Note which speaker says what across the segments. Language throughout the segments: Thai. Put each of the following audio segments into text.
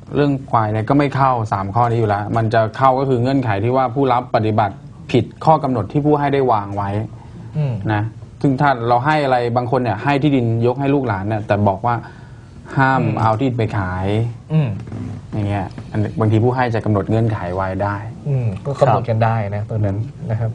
Speaker 1: เรื่องควายเนี่ยก็ไม่เข้า3ข้อนี้อยู่แล้วมันจะเข้าก็คือเงื่อนไขที่ว่าผู้รับปฏิบัติผิดข้อกำหนดที่ผู้ให้ได้วางไว้นะซึ่งถ้าเราให้อะไรบางคนเนี่ยให้ที่ดินยกให้ลูกหลานเนี่ยแต่บอกว่าห้ามเอาที่ดินไปขายอย่างเงี้ยบางทีผู้ให้จะกำหนดเงื่อนไขไว้ได้
Speaker 2: ก็กำหนดกันได้นะตรงนั้นนะครับ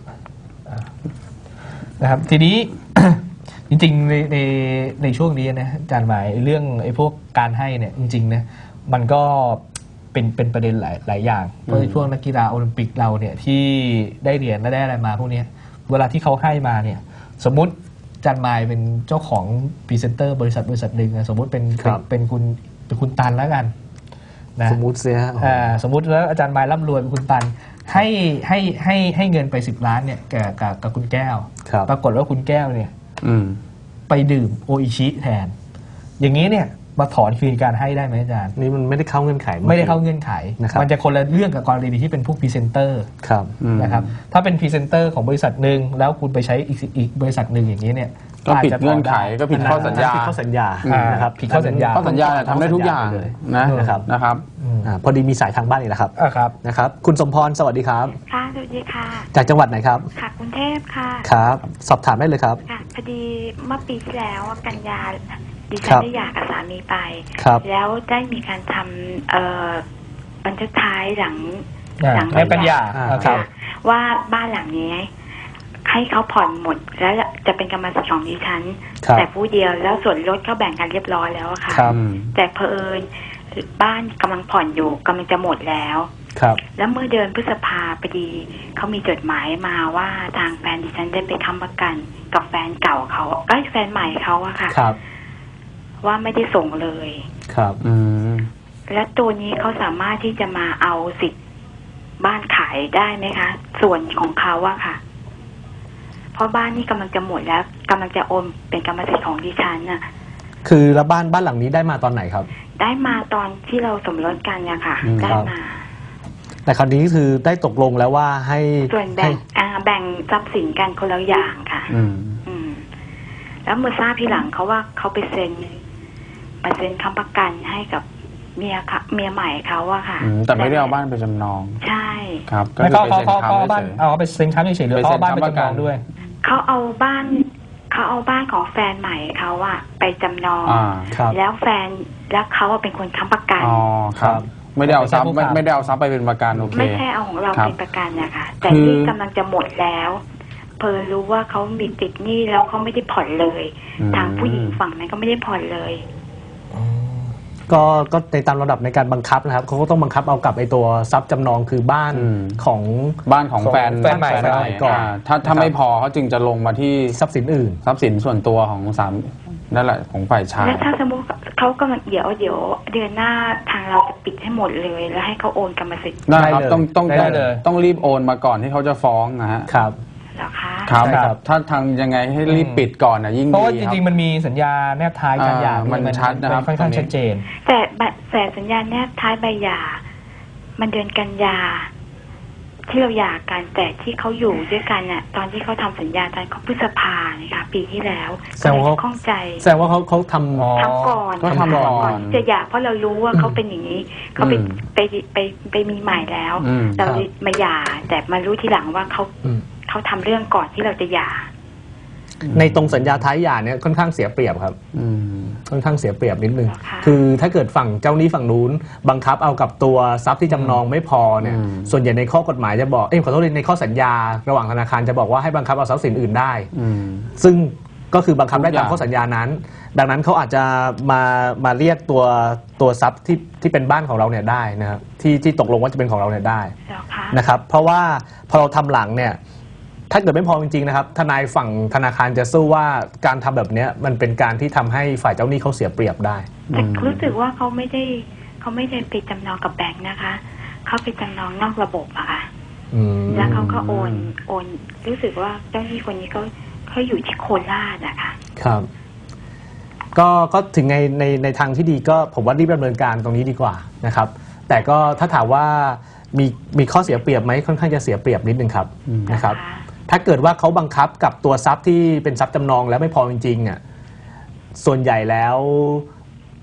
Speaker 2: ทีนี้ จริงๆในช่วงนี้นะอาจารย์หมายเรื่องไอ้พวกการให้เนี่ยจริงๆนะมันก็เป็นประเด็นหลายอย่างเพราะในช่วงนักกีฬาโอลิมปิกเราเนี่ยที่ได้เหรียญและได้อะไรมาพวกนี้เวลาที่เขาให้มาเนี่ยสมมุติอาจารย์หมายเป็นเจ้าของพรีเซนเตอร์บริษัทหนึ่งสมมุติเป็นคุณตันแล้วกันนะ
Speaker 3: สมมุติเสีย
Speaker 2: สมมุติแล้วอาจารย์หมายร่ำรวยเป็นคุณตันให้เงินไป10 ล้านเนี่ยกับคุณแก้วปรากฏว่าคุณแก้วเนี่ยไปดื่มโออิชิแทนอย่างนี้เนี่ยมาถอนคืนการให้ได้ไหมอาจารย์
Speaker 3: นี่มันไม่ได้เข้าเงื่อนไข
Speaker 2: ไม่ได้เข้าเงื่อนไขมันจะคนละเรื่องกับกรณีที่เป็นพวกพรีเซนเตอร์นะครับถ้าเป็นพรีเซนเตอร์ของบริษัทหนึ่งแล้วคุณไปใช้อีกบริษัทหนึ่งอย่างนี้เนี่ย
Speaker 1: ก็ผิดเงื่อนไขก็ผิดข้อสัญญา
Speaker 2: นะครับผิดข้อสัญญา
Speaker 1: ทำได้ทุกอย่างนะครับ
Speaker 3: พอดีมีสายทางบ้านอีกแล้วครับนะครับคุณสมพรสวัสดีครับ
Speaker 4: ค่ะสวัสดีค่ะ
Speaker 3: จากจังหวัดไหนครับ
Speaker 4: ค่ะกรุงเทพค่ะ
Speaker 3: ครับสอบถามได้เลยครับ
Speaker 4: ค่ะพอดีเมื่อปีที่แล้วกันยาดิฉันได้หย่ากับสามีไปแล้วได้มีการทำบันทึกท้ายหลัง
Speaker 2: กันยา
Speaker 4: ว่าบ้านหลังนี้ให้เขาผ่อนหมดแล้วจะเป็นกรรมสิทธิ์ของดิฉันแต่ผู้เดียวแล้วส่วนลดเขาแบ่งกันเรียบร้อยแล้วค่ะแต่เผอิญบ้านกำลังผ่อนอยู่กำลังจะหมดแล้วแล้วเมื่อเดือนพฤษภาพอดีเขามีจดหมายมาว่าทางแฟนดิฉันได้ไปค้ำประกันกับแฟนเก่าเขาแฟนใหม่เขาอะค่ะว่าไม่ได้ส่งเลยและตัวนี้เขาสามารถที่จะมาเอาสิทธิ์บ้านขายได้ไหมคะส่วนของเขาอะค่ะเพราะบ้านนี่กำลังจะหมดแล้วกำลังจะโอนเป็นกรรมสิทธิ์ของดิฉันน่ะ
Speaker 3: คือแล้วบ้านหลังนี้ได้มาตอนไหนครับ
Speaker 4: ได้มาตอนที่เราสมรสกันเนี่ยค่ะได้มา
Speaker 3: แต่คราวนี้คือได้ตกลงแล้วว่าให้
Speaker 4: ส่วนแบ่งทรัพย์สินกันคนละอย่างค่ะแล้วเมื่อทราบทีหลังเขาว่าเขาไปเซ็นค้ำประกันให้กับเมียใหม่เขาอะค่ะ
Speaker 1: แต่ไม่ได้เอาบ้านไปจำนอง
Speaker 4: ใช่
Speaker 1: ครับ
Speaker 2: ก็คือไปเซ็นค้ำบ้านเอาไปเซ็นค้ำเฉยๆหรือเอาบ้านไปจำนองด้วย
Speaker 4: เขาเอาบ้านของแฟนใหม่เขาอะไปจำนองแล้วแฟนแล้วเขาเป็นคนค้ำประกัน
Speaker 1: ครับไม่ได้เอาทรัพย์ไปเป็นประกันโอเค
Speaker 4: ไม่ใช่เอาของเราเป็นประกันนะคะแต่ที่กำลังจะหมดแล้วเพอรู้ว่าเขามีติดหนี้แล้วเขาไม่ได้ผ่อนเลยทางผู้หญิงฝั่งนั้นก็ไม่ได้ผ่อนเลย
Speaker 3: ก็ในตามระดับในการบังคับนะครับเขาก็ต้องบังคับเอากับไอ้ตัวทรัพย์จำนองคือบ้านของ
Speaker 1: แฟนใหม่ก่อนถ้าไม่พอเขาจึงจะลงมาที่
Speaker 3: ทรัพย์สินอื่น
Speaker 1: ทรัพย์สินส่วนตัวของสามนั่นแหละของฝ่ายชาย
Speaker 4: แล้วถ้าสมมติเขากำลังเดี๋ยวเดือนหน้าทางเราจะปิดให้หมดเลยแล้วให้เขาโอนกรรมสิทธิ์
Speaker 1: ได้ครับต้องรีบโอนมาก่อนที่เขาจะฟ้องนะฮะ
Speaker 3: ครับ
Speaker 1: ครับถ้าทางยังไงให้รีบปิดก่อนนะยิ่งดี
Speaker 2: เพราะว่าจริงๆมันมีสัญญาแนบท้ายการหย่า
Speaker 1: มันชัดนะครับ
Speaker 2: ค่อนข้างชัดเจน
Speaker 4: แต่สัญญาแนบท้ายใบหย่ามันเดือนกันยาที่เราหย่ากันแต่ที่เขาอยู่ด้วยกันน่ะตอนที่เขาทำสัญญาตอนเขาพฤษภาเนี่ยค่ะปีที่แล้ว
Speaker 3: แสดงว่าเขา
Speaker 4: ข้องใจ
Speaker 3: แสดงว่าเขาทำ
Speaker 4: ก่อนจะหย่าเพราะเรารู้ว่าเขาเป็นอย่างนี้เขาไปมีใหม่แล้วเรามาหย่าแต่มารู้ทีหลังว่าเขาทำเรื่องก่อนที่เราจะหย่า
Speaker 3: ในตรงสัญญาท้ายหย่าเนี่ยค่อนข้างเสียเปรียบครับค่อนข้างเสียเปรียบนิดนึงคือถ้าเกิดฝั่งเจ้าหนี้ฝั่งนู้นบังคับเอากับตัวทรัพย์ที่จำนองไม่พอเนี่ยส่วนใหญ่ในข้อกฎหมายจะบอกขอโทษในข้อสัญญาระหว่างธนาคารจะบอกว่าให้บังคับเอาทรัพย์สินอื่นได้ซึ่งก็คือบังคับได้ตามข้อสัญญานั้นดังนั้นเขาอาจจะมาเรียกตัวทรัพย์ที่เป็นบ้านของเราเนี่ยได้นะครับที่ตกลงว่าจะเป็นของเราเนี่ยได้นะครับเพราะว่าพอเราทำหลังเนี่ยถ้าเกิดไม่พอจริงๆนะครับทนายฝั่งธนาคารจะสู้ว่าการทำแบบนี้มันเป็นการที่ทำให้ฝ่ายเจ้าหนี้เขาเสียเปรียบได้
Speaker 4: แต่รู้สึกว่าเขาไม่ได้ไปจำนองกับแบงค์นะคะเขาไปจำนองนอกระบบอะค่ะแล้วเขาก็โอนรู้สึกว่าเจ้าหนี้คนนี้เขาอยู่ที่โคราชอะค่ะ
Speaker 3: ครับก็ถึงในทางที่ดีก็ผมว่ารีบดำเนินการตรงนี้ดีกว่านะครับแต่ก็ถ้าถามว่ามีข้อเสียเปรียบไหมค่อนข้างจะเสียเปรียบนิดนึงครับนะครับถ้าเกิดว่าเขาบังคับกับตัวทรัพย์ที่เป็นทรัพย์จำนองแล้วไม่พอจริงๆอ่ะส่วนใหญ่แล้ว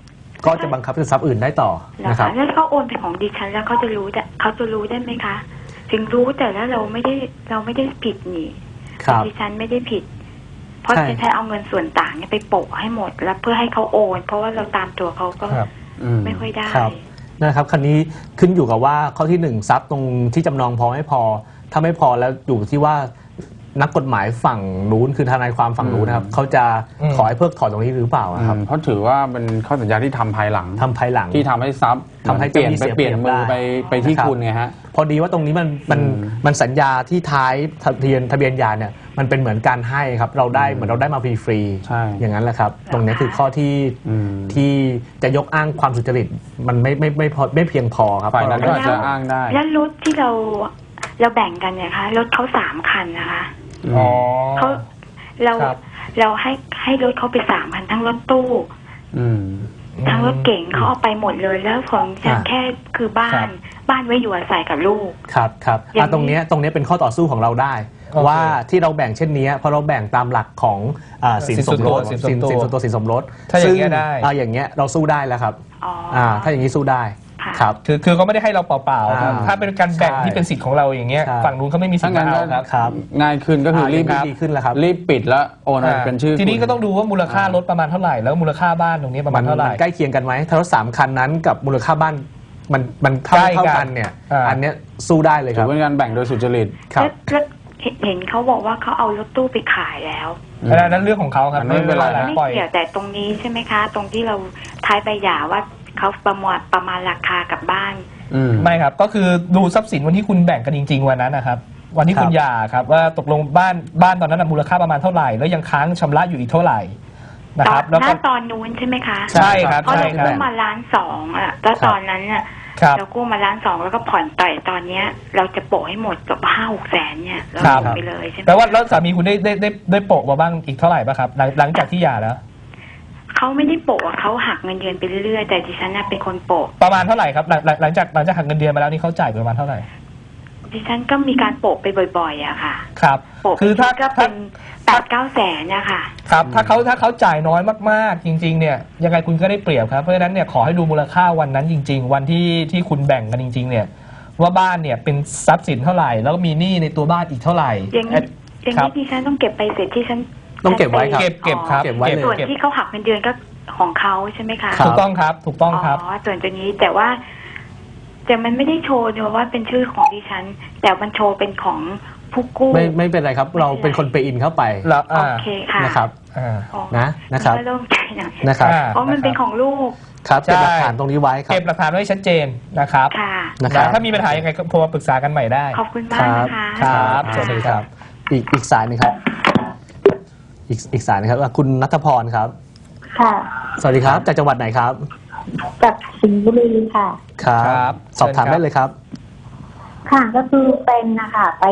Speaker 3: ก็จะบังคับเป็นทรัพย์อื่นได้ต่อนะครับ
Speaker 4: แล้วเขาโอนเป็นของดิฉันแล้วเขาจะรู้ได้ไหมคะ ถึงรู้แต่แล้วเราไม่ได้ผิดนี่ดิฉันไม่ได้ผิด เพราะดิฉันเอาเงินส่วนต่างเนี่ยไปโปะให้หมดแล้วเพื่อให้เขาโอน เพราะว่าเราตามตัวเขาก็ไม่ค่อยได้
Speaker 3: นะครับคันนี้ขึ้นอยู่กับว่าข้อที่1ทรัพย์ตรงที่จำนองพอไม่พอถ้าไม่พอแล้วอยู่ที่ว่านักกฎหมายฝั่งนู้นคือทนายความฝั่งนู้นนะครับเขาจะขอให้เพิกถอนตรงนี้หรือเปล่าครับ
Speaker 1: เพราะถือว่าเป็นข้อสัญญาที่ทำภายหลังที่ทำให้ทรัพย์
Speaker 3: ทำให้
Speaker 1: เปลี่ยนมือไปที่คุณไงฮะ
Speaker 3: พอดีว่าตรงนี้มันสัญญาที่ท้ายทะเบียนหย่าเนี่ยมันเป็นเหมือนการให้ครับเราได้เหมือนเราได้มาฟรีๆอย่างนั้นแหละครับตรงนี้คือข้อที่จะยกอ้างความสุจริตมันไม่เพียงพอครับ
Speaker 1: ฝ่ายนั้นก็จะอ้างได้
Speaker 4: แล้วรถที่เราแบ่งกันเนี่ยคะรถเขา3 คันนะคะเขาเราให้รถเขาไป3 คันทั้งรถตู้ทั้งรถเก๋งเขาเอาไปหมดเลยแล้วของฉันแค่คือบ้านไว้อยู่อาศัยกับลูก
Speaker 3: ครับตรงนี้เป็นข้อต่อสู้ของเราได้ว่าที่เราแบ่งเช่นนี้เพราะเราแบ่งตามหลักของสินสมรสสินส่วนตัวสินสมรส
Speaker 2: ถ้าอย่างเงี้ยได้
Speaker 3: อย่างเงี้ยเราสู้ได้แล้วครับถ้าอย่างนี้สู้ได้ครับ
Speaker 2: คือเขาไม่ได้ให้เราเปล่าๆครับถ้าเป็นการแบ่งที่เป็นสิทธิ์ของเราอย่างเงี้ยฝั่งนู้นเขาไม่มีสิทธิ์เอา
Speaker 3: ครับ
Speaker 1: ง่ายขึ้นก็คือรีบ
Speaker 3: ขึ้นแล้วครับ
Speaker 1: รีบปิดแล้วโอนเป็นชื่อ
Speaker 2: ทีนี้ก็ต้องดูว่ามูลค่ารถประมาณเท่าไหร่แล้วมูลค่าบ้านตรงนี้ประมาณเท่าไหร่
Speaker 3: ใกล้เคียงกันไหมถ้ารถ3 คันนั้นกับมูลค่าบ้านมันเท่ากันเนี่ยอันเนี้ยสู้ได้เลยครับ
Speaker 1: เป็นการแบ่งโดยสุจริต
Speaker 3: ครับ
Speaker 4: เห็นเขาบอกว่าเขาเอารถตู้ไปขายแล้ว
Speaker 2: นั่นเรื่องของเขาครับ
Speaker 4: ไม่เป็นไรไม่เกี่ยวแต่ตรงนี้ใช่ไหมคะตรงที่เราท้ายใบหย่าว่าเขาประมาณราคากับบ้าน
Speaker 2: ไม่ครับก็คือดูทรัพย์สินวันที่คุณแบ่งกันจริงๆวันนั้นนะครับวันที่คุณหย่าครับว่าตกลงบ้านตอนนั้นมูลค่าประมาณเท่าไหร่แล้วยังค้างชำระอยู่อีกเท่าไหร่นะครับ
Speaker 4: แล้วก็ตอนนู้นใช่ไหมคะ
Speaker 2: ใช่ครับ
Speaker 4: เพราะเรากู้มา1,200,000อ่ะแล้วตอนนั้นเนี่ยเรากู้มา1,200,000แล้วก็ผ่อนต่อยตอนเนี้ยเราจะโปะให้หมดกับ5-6 แสนเนี่ยเราโปะไปเลยใช่ไหม
Speaker 2: แปลว่าแล้วสามีคุณได้โปะมาบ้างอีกเท่าไหร่ป่ะครับหลังจากที่หย่าแล้ว
Speaker 4: เขาไม่ได้โปะเขาหักเงินเดือนไปเรื่อยๆแต่ดิฉันน่ะเป็นคนโปะ
Speaker 2: ประมาณเท่าไหร่ครับหลังจากหักเงินเดือนมาแล้วนี่เขาจ่ายประมาณเท่าไหร่
Speaker 4: ดิฉันก็มีการโปะไปบ่อยๆอะค่ะ
Speaker 2: ครับ
Speaker 4: คือถ้าก็เป็น8-9 แสนนะคะ
Speaker 2: ครับถ้าเขาจ่ายน้อยมากๆจริงๆเนี่ยยังไงคุณก็ได้เปรียบครับเพราะฉะนั้นเนี่ยขอให้ดูมูลค่าวันนั้นจริงๆวันที่คุณแบ่งกันจริงๆเนี่ยว่าบ้านเนี่ยเป็นทรัพย์สินเท่าไหร่แล้วก็มีหนี้ในตัวบ้านอีกเท่าไหร่
Speaker 4: อย่างนี้ดิฉันต้องเก็บไปเสร็จที่ฉัน
Speaker 3: ต้องเก็บไว้ครับ
Speaker 2: เก็บครับ
Speaker 4: ส่วนที่เขาหักเงินเดือนก็ของเขาใช่ไหมคะ
Speaker 2: ถูกต้องครับ
Speaker 4: ส่วนตัวนี้แต่ว่ามันไม่ได้โชว์เนอะว่าเป็นชื่อของดิฉันแต่มันโชว์เป็นของผู้กู้
Speaker 3: ไม่เป็นไรครับเราเป็นคนไปอินเข้าไป
Speaker 2: แล้ว
Speaker 4: โอเคค่ะ
Speaker 3: นะครับนะครับ
Speaker 4: เริ่มใจหน่อย
Speaker 3: นะครับ
Speaker 4: เพราะมันเป็นของลูก
Speaker 3: ครับเก็บหลักฐานตรงนี้ไว้ครับ
Speaker 2: เก็บหลักฐานไว้ชัดเจนนะครับถ้ามีปัญหายังไงก็โทรมาปรึกษากันใหม่ได้
Speaker 4: ขอบคุณมากนะคะ
Speaker 2: ครับสวัสดีครับ
Speaker 3: อีกสายนึงครับอีกสายนะครับคุณณัฐพรครับ
Speaker 5: ค่ะ
Speaker 3: สวัสดีครับจากจังหวัดไหนครับ
Speaker 5: จากสิงห์บุรีค่ะ
Speaker 3: ครับสอบถามได้เลยครับ
Speaker 5: ค่ะก็คือเป็นนะคะไป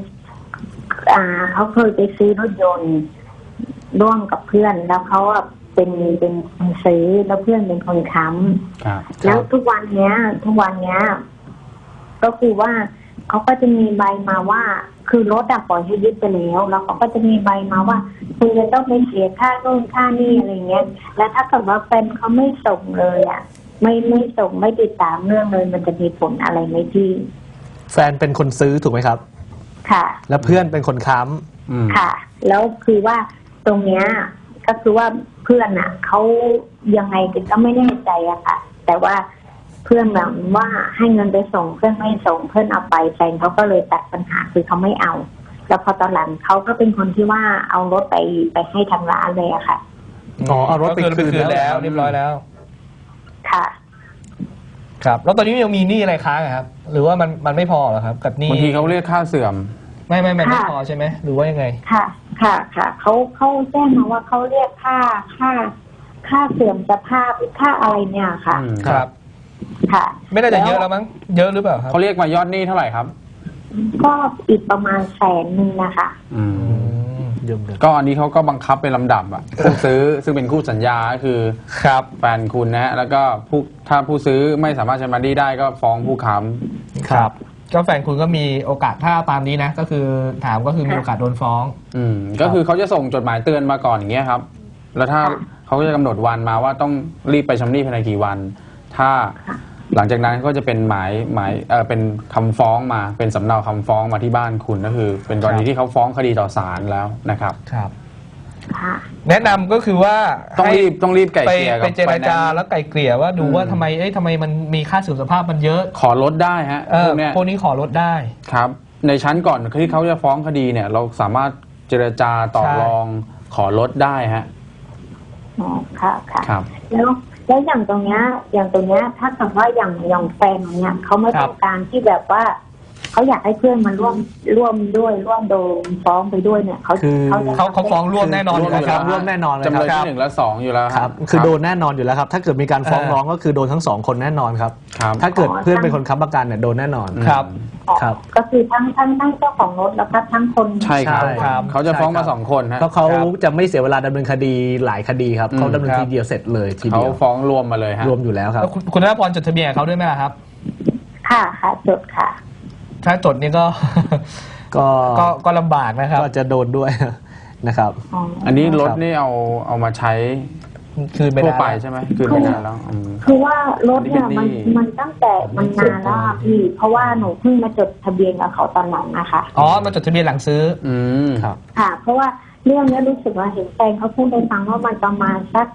Speaker 5: เขาเคยไปซื้อรถยนต์ร่วมกับเพื่อนแล้วเขาเป็นคนซื้อแล้วเพื่อนเป็นคนค้ำแล้วทุกวันเนี้ยก็คือว่าเขาก็จะมีใบมาว่าคือรถปล่อยให้ยึดไปแล้วเขาก็จะมีใบมาว่าคุณจะต้องไปเสียค่าโน่นค่านี่อะไรเงี้ยแล้วถ้าเกิดว่าแฟนเขาไม่ส่งเลยไม่ส่งไม่ติดตามเรื่องเลยมันจะมีผลอะไรไหมพี่
Speaker 3: แฟนเป็นคนซื้อถูกไหมครับ
Speaker 5: ค่ะ
Speaker 3: แล้วเพื่อนเป็นคนค้
Speaker 5: ำค่ะแล้วคือว่าตรงเนี้ยก็คือว่าเพื่อนเขายังไงก็ไม่แน่ใจอะค่ะแต่ว่าเพื่อนแบบว่าให้เงินไปส่งเพื่อนไม่ส่งเพื่อนเอาไปแฟนเขาก็เลยตัดปัญหาคือเขาไม่เอาแล้วพอตอนหลังเขาก็เป็นคนที่ว่าเอารถไปให้ทางร้านเลยอะค่ะ
Speaker 3: เอารถไปคืน
Speaker 2: แล้วเรียบร้อยแล้ว
Speaker 5: ค่ะ
Speaker 2: ครับแล้วตอนนี้ยังมีหนี้อะไรค้างครับหรือว่ามันไม่พอหรอครับกับหนี้
Speaker 1: บางทีเขาเรียกค่าเสื่อม
Speaker 2: ไม่พอใช่ไหมหรือว่ายังไง
Speaker 5: ค่ะเขาแจ้งมาว่าเขาเรียกค่าเสื่อมสภาพค่าอะไรเนี่ยค่ะ
Speaker 2: ครับ
Speaker 5: ค่ะ
Speaker 2: ไม่น่าจะเยอะแล้วมั้งเยอะหรือเปล่าครับ
Speaker 1: เขาเรียกมายอดหนี้เท่าไหร่ครับ
Speaker 5: ก็อีกประมาณ100,000นะคะ
Speaker 1: ก็อันนี้เขาก็บังคับเป็นลำดับผู้ซื้อซึ่งเป็นคู่สัญญาก็คือ
Speaker 2: ครับ
Speaker 1: แฟนคุณนะแล้วก็ถ้าผู้ซื้อไม่สามารถชำระหนี้ได้ก็ฟ้องผู้ค้
Speaker 2: ำครับก็แฟนคุณก็มีโอกาสถ้าตามนี้นะก็คือถามก็คือมีโอกาสโดนฟ้อง
Speaker 1: ก็คือเขาจะส่งจดหมายเตือนมาก่อนอย่างเงี้ยครับแล้วถ้าเขาก็จะกำหนดวันมาว่าต้องรีบไปชำระภายในกี่วัน ถ้าหลังจากนั้นก็จะเป็นหมายเป็นคำฟ้องมาเป็นสำเนาคำฟ้องมาที่บ้านคุณก็คือ เป็นกรณีที่เขาฟ้องคดีต่อศาลแล้วนะครับ
Speaker 2: ครับแนะนำก็คือว่า
Speaker 1: ต้องรีบไกล่เกลี่ยกับ
Speaker 2: ไปเจรจาแล้วไกล่เกลี่ยว่าดูว่าทำไมมันมีค่าเสื่อมสภาพมันเยอะ
Speaker 1: ขอลดได้ฮะ
Speaker 2: พวกนี้ขอลดได้
Speaker 1: ครับในชั้นก่อนที่เขาจะฟ้องคดีเนี่ยเราสามารถเจรจาต่อรองขอลดได้ฮะ
Speaker 5: อ๋อค่ะครับแล้วอย่างตรงเนี้ยถ้าเกิดว่าอย่างแฟนเนี้ยเขาไม่ต้องการที่แบบว่าเขาอยากให้เพื่อนมาร่วมด้วยร่วมโดนฟ้องไปด้วยเนี่ยเขา
Speaker 2: ฟ้องร่วมแน่นอนอยู่แล้วครับ
Speaker 3: ร่วมแน่นอนเลย
Speaker 1: จำเลยที่1และ2อยู่แล้ว
Speaker 3: ครับคือโดนแน่นอนอยู่แล้วครับถ้าเกิดมีการฟ้องร้องก็คือโดนทั้ง2คนแน่นอนครับถ้าเกิดเพื่อนเป็นคนค้ำประกันเนี่ยโดนแน่นอน
Speaker 2: ครับ
Speaker 5: ก็คือทั้งเจ้าของรถแล้วก็ทั้งคน
Speaker 1: ใช่ครับเขาจะฟ้องมา2คนฮะ
Speaker 3: เพราะเขาจะไม่เสียเวลาดำเนินคดีหลายคดีครับเขาดำเนินทีเดียวเสร็จเลยทีเดียว
Speaker 1: เขาฟ้องรวมมาเลยฮะ
Speaker 3: รวมอยู่แล้วครับ
Speaker 2: คุณธนพรจดทะเบียนเขาด้วยไหมครับ
Speaker 5: ค่ะจดค่ะ
Speaker 2: ถ้าจดนี่ก็ลำบากนะครับ
Speaker 3: ก็จะโดนด้วยนะครับ
Speaker 1: อันนี้รถนี่เอามาใช้
Speaker 2: คืน
Speaker 1: ทั่วไปใช่ไหมคืนไปนานแล้ว
Speaker 5: คือว่ารถเนี่ยมันตั้งแต่มันนานแล้วพี่เพราะว่าหนูเพิ่งมาจดทะเบียนกับเขาตอนหลังนะคะ
Speaker 2: มาจดทะเบียนหลังซื้อ
Speaker 1: ครับ
Speaker 5: ค่ะเพราะว่าเรื่องนี้รู้สึกว่าเห็นแฟนเขาพูดให้ฟังว่ามันประมาณสัก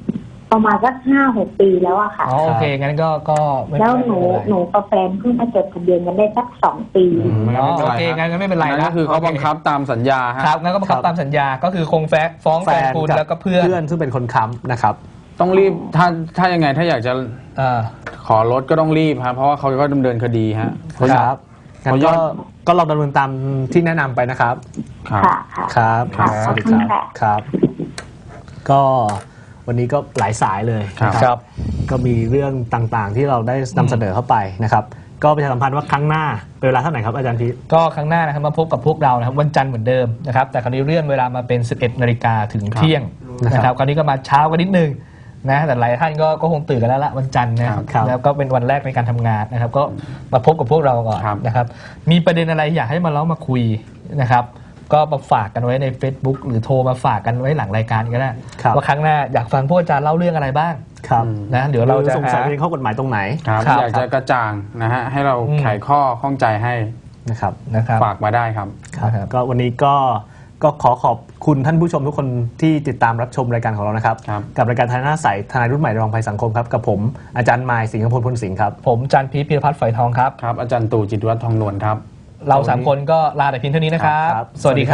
Speaker 5: 5-6 ปีแล้วอะค่ะ
Speaker 2: โอเคงั้นก็
Speaker 5: แล้วหนูกับแฟนเพิ่งมาจดทะเบียนกันได้สัก2 ปี
Speaker 2: โอเคงั้นไม่เป็นไร
Speaker 1: นะคือเขาบังคับตามสัญญา
Speaker 2: ครับงั้นก็บังคับตามสัญญาก็คือคงฟ้องแฟนคุณแล้วก็เพื่อน
Speaker 3: ซึ่งเป็นคนค้ำนะครับ
Speaker 1: ต้องรีบถ้ายังไงถ้าอยากจะขอลดก็ต้องรีบครับเพราะว่าเขาก็ดำเนินคดีฮะ
Speaker 3: ครับงั้นก็ลองดำเนินตามที่แนะนำไปนะครับ
Speaker 5: ครับ
Speaker 3: สวัสดีครับก็วันนี้ก็หลายสายเลย
Speaker 2: ครับ
Speaker 3: ก็มีเรื่องต่างๆที่เราได้นำเสนอเข้าไปนะครับก็ประชาสัมพันธ์ว่าครั้งหน้าเป็นเวลาเท่าไหร่ครับอาจารย์พี
Speaker 2: ก็ครั้งหน้านะครับมาพบกับพวกเรานะครับวันจันทร์เหมือนเดิมนะครับแต่คราวนี้เลื่อนเวลามาเป็น 11 นาฬิกาถึงเที่ยงนะครับคราวนี้ก็มาเช้ากันนิดนึงนะแต่หลายท่านก็คงตื่นกันแล้วละวันจันทร์นะครับแล้วก็เป็นวันแรกในการทำงานนะครับก็มาพบกับพวกเราก่อนนะครับมีประเด็นอะไรอยากให้มาเล่ามาคุยนะครับก็มาฝากกันไว้ใน Facebook หรือโทรมาฝากกันไว้หลังรายการก็ได้ว่าครั้งหน้าอยากฟังพวกอาจารย์เล่าเรื่องอะไรบ้างนะเดี๋ยวเราจะ
Speaker 3: สงสัยในข้อกฎหมายตรงไหน
Speaker 1: อยากจะกระจ่างนะฮะให้เราไขข้อข้องใจให้
Speaker 3: นะครับ
Speaker 1: ฝากมาได้ครับ
Speaker 3: ก็วันนี้ก็ขอขอบคุณท่านผู้ชมทุกคนที่ติดตามรับชมรายการของเรานะครับกับรายการทนายหน้าใสทนายรุ่นใหม่ระวังภัยสังคมครับกับผมอาจารย์มายสิงห์พลพลสิงห์ครับ
Speaker 2: ผมอาจารย์พีพีรพัฒน์ฝอยทองครับ
Speaker 1: ครับอาจารย์ตู่จิตรวัฒน์ทองนวลครับ
Speaker 2: เรา3 คนก็ลาแต่เพียงเท่านี้นะครับสวัสดี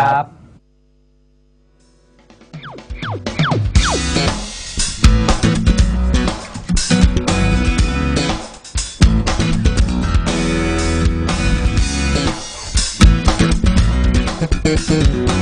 Speaker 2: ครับ